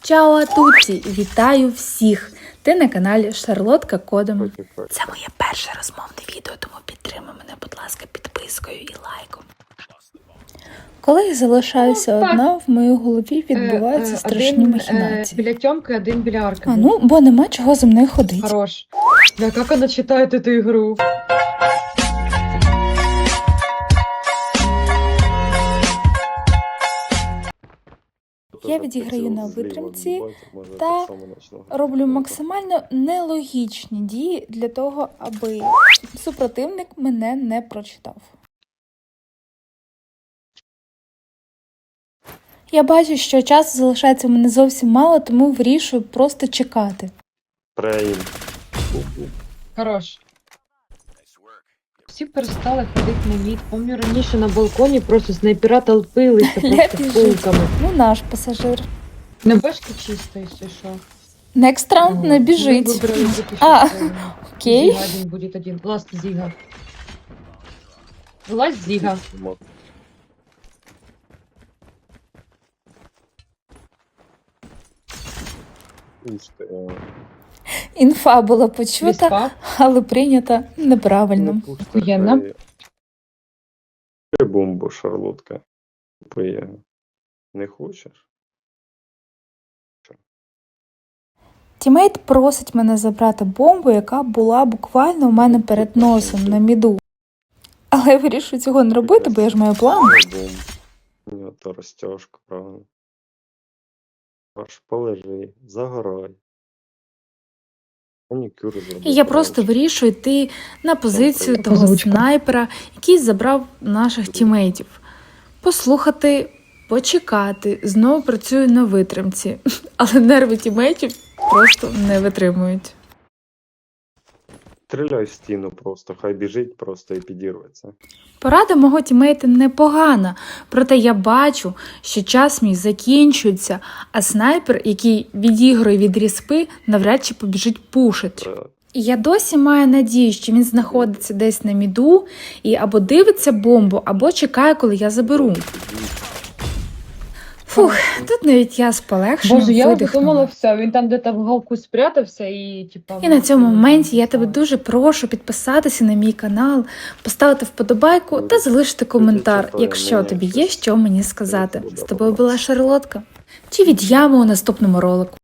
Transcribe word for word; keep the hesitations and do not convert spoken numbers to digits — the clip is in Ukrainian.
Чао атуті! Вітаю всіх! Ти на каналі Шарлотка Кодом. Це моє перше розмовне відео, тому підтримай мене, будь ласка, підпискою і лайком. Коли я залишаюся Ну, одна, в моїй голові відбуваються Е, е, страшні один, махінації. Е, біля Тьомки, один біля Арки. А ну, бо нема чого зі мною ходити. Хорош. Да, как она читает эту игру? Я відіграю на витримці та роблю максимально нелогічні дії для того, аби супротивник мене не прочитав. Я бачу, що часу залишається в мене зовсім мало, тому вирішую просто чекати. Прейм. Хорош. Всі перестали ходити на мід. Помню, раніше на балконі просто снайпера толпилися просто біжить. пулками. Ну, наш пасажир. На бешки чисто, якщо що. Next round не біжить. Ми вибрали бути А, щасливими. окей. Зіга один буде один. Ласт Зіга. Вилазь Зіга. Інфа була почута, Віспа. але прийнята неправильно. Охуєнно. Ти бомбу, Шарлотка. Купи. Не хочеш? Тімейт просить мене забрати бомбу, яка була буквально у мене перед носом на міду. Але я вирішую цього не робити, бо я ж маю план. Бомб. Ні, то розтяжка, правильно. Аж полежи, загорай. Манікюр зроби. І я просто вирішую йти на позицію Така того озвучка. снайпера, який забрав наших тімейтів. Послухати, почекати, знову працюю на витримці. Але нерви тімейтів просто не витримують. Стріляй в стіну просто, хай біжить просто і підірветься. Порада мого тімейта непогана, проте я бачу, що час мій закінчується, а снайпер, який відігрує від ріспи, навряд чи побіжить пушить. Е, І я досі маю надію, що він знаходиться десь на міду і або дивиться бомбу, або чекає, коли я заберу. Фух, тут навіть я з полегшенням Боже, я видихнула. подумала, все, він там де-то в уголку спрятався і, типа... І на цьому моменті я тебе дуже прошу підписатися на мій канал, поставити вподобайку та залишити коментар, якщо тобі є що мені сказати. З тобою була Шарлотка. Чи від ями у наступному ролику.